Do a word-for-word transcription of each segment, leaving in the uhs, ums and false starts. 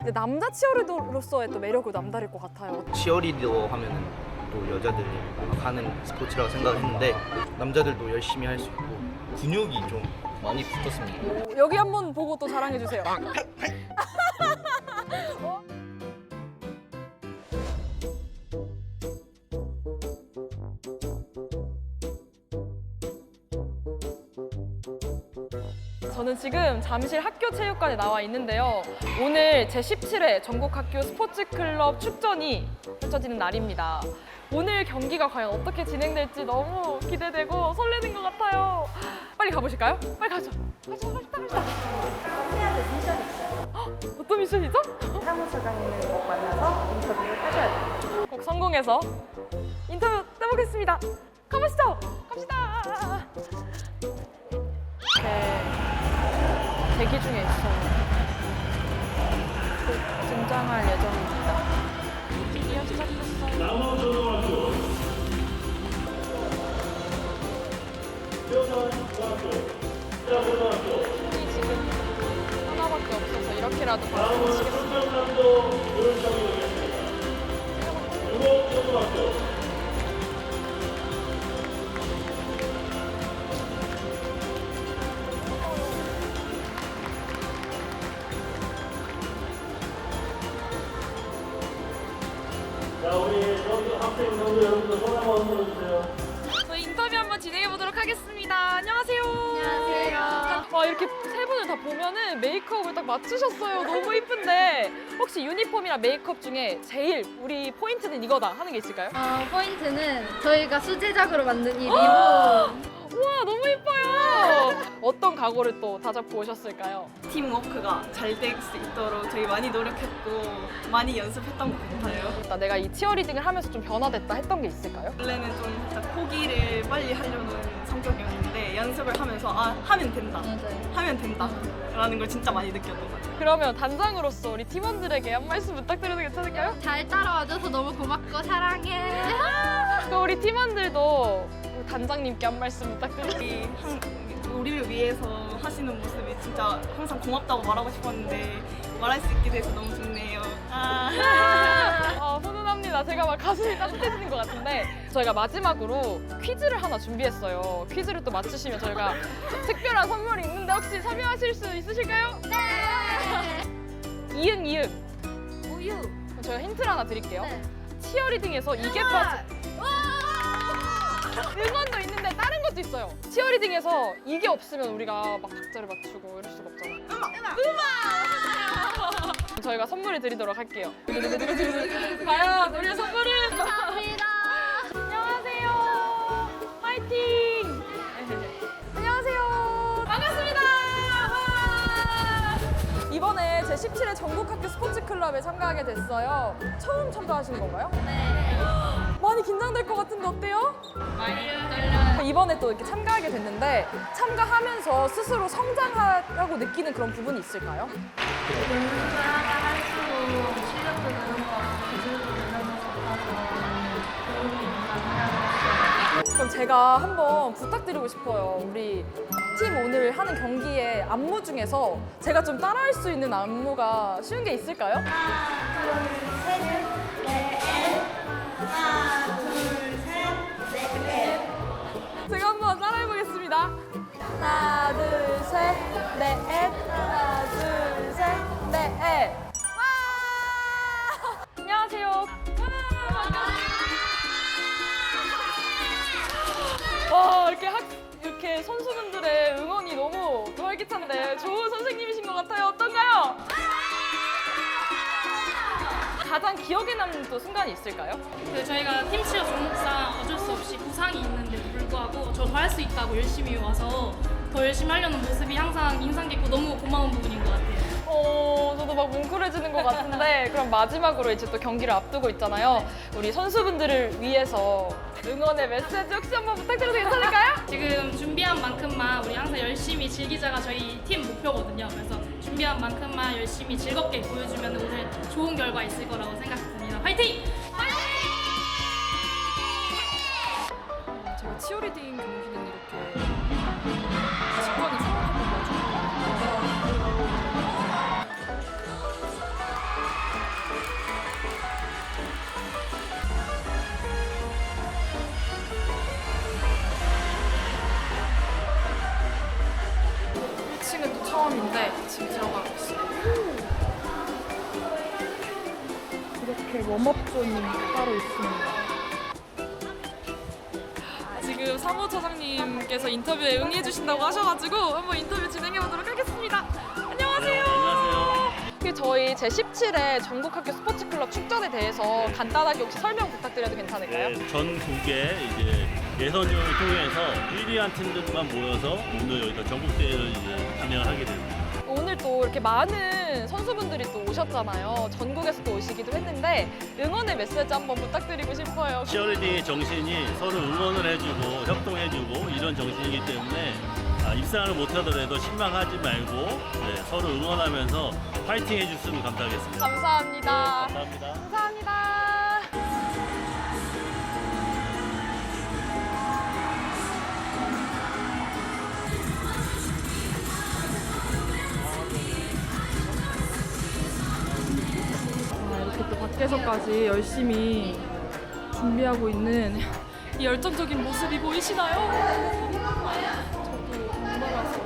근데 남자 치어리더로서의 또 매력도 남다를 것 같아요. 치어리더 하면은 또 여자들이 하는 스포츠라고 생각했는데 남자들도 열심히 할 수 있고 근육이 좀 많이 붙었습니다. 오, 여기 한번 보고 또 자랑해 주세요. 어? 저는 지금 잠실 학교체육관에 나와 있는데요. 오늘 제십칠 회 전국학교 스포츠클럽 축전이 펼쳐지는 날입니다. 오늘 경기가 과연 어떻게 진행될지 너무 기대되고 설레는 것 같아요. 빨리 가보실까요? 빨리 가죠. 가죠, 가죠, 가죠. 해야 될 미션이 있어요. 헉, 어떤 미션이죠? 사무처장님을 꼭 만나서 인터뷰를 해줘야 돼요. 꼭 성공해서 인터뷰 해보겠습니다. 가보시죠. 갑시다. 네, 대기 중에 있어요. 곧 등장할 예정입니다. 드디어 시작됐어요. 팀이 지금 하나밖에 없어서 이렇게라도 박수 치겠습니다. 자, 우리 선수 학생 선수 여러분들 손 한번 들어주세요. 저희 인터뷰 한번 진행해 보도록 하겠습니다. 안녕하세요. 안녕하세요. 와, 이렇게 세 분을 다 보면은 메이크업을 딱 맞추셨어요. 너무 이쁜데 혹시 유니폼이랑 메이크업 중에 제일 우리 포인트는 이거다 하는 게 있을까요? 어, 포인트는 저희가 수제작으로 만든 이 리본. 우와, 너무 이뻐요. 어떤 각오를 또 다잡고 오셨을까요? 팀워크가 잘 될 수 있도록 저희 많이 노력했고 많이 연습했던 것 같아요. 나 내가 이 치어리딩을 하면서 좀 변화됐다 했던 게 있을까요? 원래는 좀 살짝 포기를 빨리 하려는 성격이었는데 연습을 하면서 아 하면 된다, 맞아요. 하면 된다 라는 걸 진짜 많이 느꼈던 것 같아요. 그러면 단장으로서 우리 팀원들에게 한 말씀 부탁드려도 괜찮을까요? 잘 따라와줘서 너무 고맙고 사랑해. 그럼 우리 팀원들도 우리 단장님께 한 말씀 부탁드립니다. 이 한- 우리를 위해서 하시는 모습이 진짜 항상 고맙다고 말하고 싶었는데 말할 수 있게 돼서 너무 좋네요. 아. 아, 훈훈합니다. 제가 막 가슴이 따뜻해지는 것 같은데 저희가 마지막으로 퀴즈를 하나 준비했어요. 퀴즈를 또 맞추시면 저희가 특별한 선물이 있는데 혹시 참여하실 수 있으실까요? 네. 이응 이응. 우유. 그럼 저희가 힌트를 하나 드릴게요. 네. 치어리딩에서 이게 빠져. 응원도 있는데 다른 것도 있어요. 치어리딩에서 이게 없으면 우리가 막 박자를 맞추고 이럴 수가 없잖아요. 음악! 음악! 저희가 선물을 드리도록 할게요. 과연 우리의 선물은? 감사합니다. 안녕하세요. 파이팅! 안녕하세요. 반갑습니다. 와! 이번에 제십칠 회 전국학교 스포츠클럽에 참가하게 됐어요. 처음 참가하시는 건가요? 네. 많이 긴장될 것 같은데 어때요? 많이 떨려요. 이번에 또 이렇게 참가하게 됐는데 참가하면서 스스로 성장하라고 느끼는 그런 부분이 있을까요? 연습을 하다 할수록 실력도 느는 것 같고 기술도 느는 것 같아서 도움이 많이 되었어요. 그럼 제가 한번 부탁드리고 싶어요. 우리 팀 오늘 하는 경기의 안무 중에서 제가 좀 따라할 수 있는 안무가 쉬운 게 있을까요? 하나, 둘, 셋, 넷. 하나, 둘, 셋, 넷. 제가 한번 따라해 보겠습니다. 하나, 둘, 셋, 넷. 하나, 둘, 셋, 넷. 와! 안녕하세요. 와, 이렇게 학 이렇게 선수분들의 응원이 너무 활기찬데 좋은 선생님이신 것 같아요. 어떤가요? 가장 기억에 남는 또 순간이 있을까요? 그 저희가 팀치어 종목상 어쩔 수 없이 부상이 있는데도 불구하고 저 더 할 수 있다고 열심히 와서 더 열심히 하려는 모습이 항상 인상 깊고 너무 고마운 부분인 것 같아요. 어, 저도 막 뭉클해지는 것 같은데 그럼 마지막으로 이제 또 경기를 앞두고 있잖아요. 우리 선수분들을 위해서 응원의 메시지 혹시 한번 부탁드려도 괜찮을까요? 지금 준비한 만큼만 우리 항상 열심히 즐기자가 저희 팀 목표거든요. 그래서 준비한 만큼만 열심히 즐겁게 보여주면 오늘 좋은 결과 있을 거라고 생각합니다. 화이팅! 제가 치어리딩 경기는 이렇게 직관을 처음 해본 거죠. 팀인데 지금 들어가고 있어요. 이렇게 웜업존이 따로 있습니다. 지금 사무처장님께서 인터뷰에 응해주신다고 하셔가지고 한번 인터뷰 진행해보도록 하겠습니다. 안녕하세요. 안녕하세요. 그 저희 제십칠 회 전국학교 스포츠클럽 축전에 대해서 간단하게 혹시 설명 부탁드려도 괜찮을까요? 네, 전국에 이제 예선전을 통해서 일 위한 팀들만 모여서 오늘 여기서 전국대회를 이제 진행을 하게 됩니다. 오늘 또 이렇게 많은 선수분들이 또 오셨잖아요. 전국에서 또 오시기도 했는데 응원의 메시지 한번 부탁드리고 싶어요. 치어리딩의 정신이 서로 응원을 해주고 협동해주고 이런 정신이기 때문에 아, 입상을 못하더라도 실망하지 말고 네, 서로 응원하면서 파이팅 해줬으면 감사하겠습니다. 감사합니다. 네, 감사합니다. 감사합니다. 아, 이렇게 또 밖에서까지 열심히 준비하고 있는 이 열정적인 모습이 보이시나요? 저도 정말라서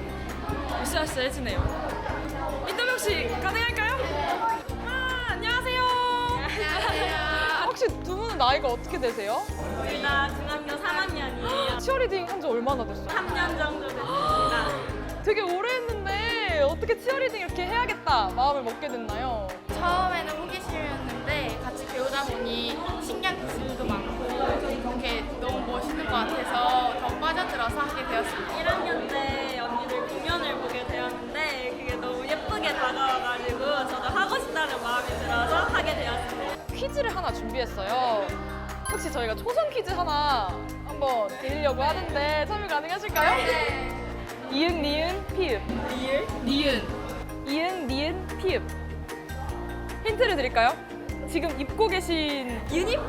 으쌰으쌰해지네요. 인터뷰 혹시 가능할까요? 아, 안녕하세요. 안녕하세요. 혹시 두 분은 나이가 어떻게 되세요? 둘 다 중학교 삼 학년이에요. 치어리딩 한 지 얼마나 됐어요? 삼 년 정도 됐습니다. 되게 오래 했는데 어떻게 치어리딩 이렇게 해야겠다 마음을 먹게 됐나요? 처음에는 호기심이었는데 같이 배우다 보니 신기한 기술도 많고 이렇게 너무 멋있는 것 같아서 더 빠져들어서 하게 되었습니다. 일 학년 때 언니들 공연을 보게 되었는데 그게 너무 예쁘게 다가와가지고 저도 하고 싶다는 마음이 들어서 하게 되었습니다. 퀴즈를 하나 준비했어요. 혹시 저희가 초성 퀴즈 하나 한번 드리려고 하는데 참여 가능하실까요? 네. 이응, 니은, 피읍. 리을? 니은. 이응, 니은, 피읍. 힌트를 드릴까요? 지금 입고 계신 유니폼!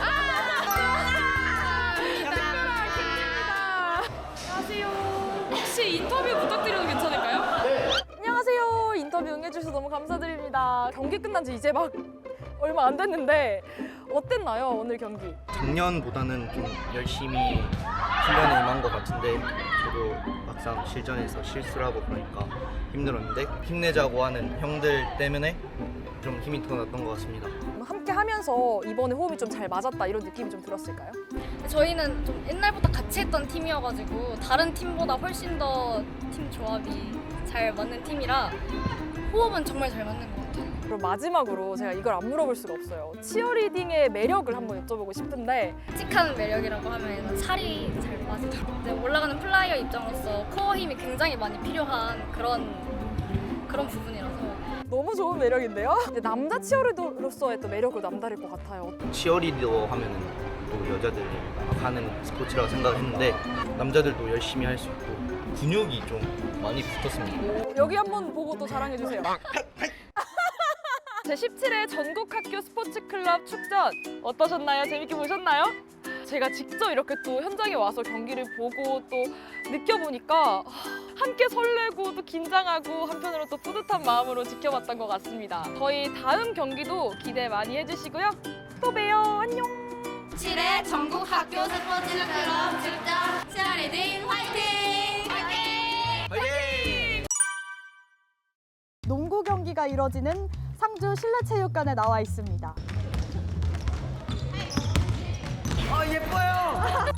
안녕하세요. 혹시 인터뷰 부탁드려도 괜찮을까요? 네. 안녕하세요. 인터뷰 응해주셔서 너무 감사드립니다. 경기 끝난 지 이제 막 얼마 안 됐는데 어땠나요, 오늘 경기? 작년보다는 좀 열심히 훈련에 임한 것 같은데 저도 막상 실전에서 실수를 하고 그러니까 힘들었는데 힘내자고 하는 형들 때문에 좀 힘이 더 났던 것 같습니다. 함께 하면서 이번에 호흡이 좀 잘 맞았다 이런 느낌이 좀 들었을까요? 저희는 좀 옛날부터 같이 했던 팀이어가지고 다른 팀보다 훨씬 더 팀 조합이 잘 맞는 팀이라 호흡은 정말 잘 맞는 것 같아요. 그리고 마지막으로 제가 이걸 안 물어볼 수가 없어요. 치어리딩의 매력을 한번 여쭤보고 싶은데 칙한 매력이라고 하면 살이 잘 빠지더라고요. 이제 올라가는 플라이어 입장으로서 코어 힘이 굉장히 많이 필요한 그런 그런 부분이라서 너무 좋은 매력인데요? 근데 남자 치어리더로서의 또 매력도 남다를 것 같아요. 치어리더 하면은 또 여자들이 하는 스포츠라고 생각했는데 남자들도 열심히 할 수 있고 근육이 좀 많이 붙었습니다. 여기 한번 보고 또 자랑해주세요. 제십칠 회 전국학교 스포츠클럽 축전 어떠셨나요? 재밌게 보셨나요? 제가 직접 이렇게 또 현장에 와서 경기를 보고 또 느껴보니까 함께 설레고 또 긴장하고 한편으로 또 뿌듯한 마음으로 지켜봤던 것 같습니다. 저희 다음 경기도 기대 많이 해주시고요. 또 봬요. 안녕. 칠 회 전국 학교 스포츠 클럽 축전 치어리딩 화이팅! 화이팅! 농구 경기가 이뤄지는 상주 실내체육관에 나와 있습니다. 아 예뻐요.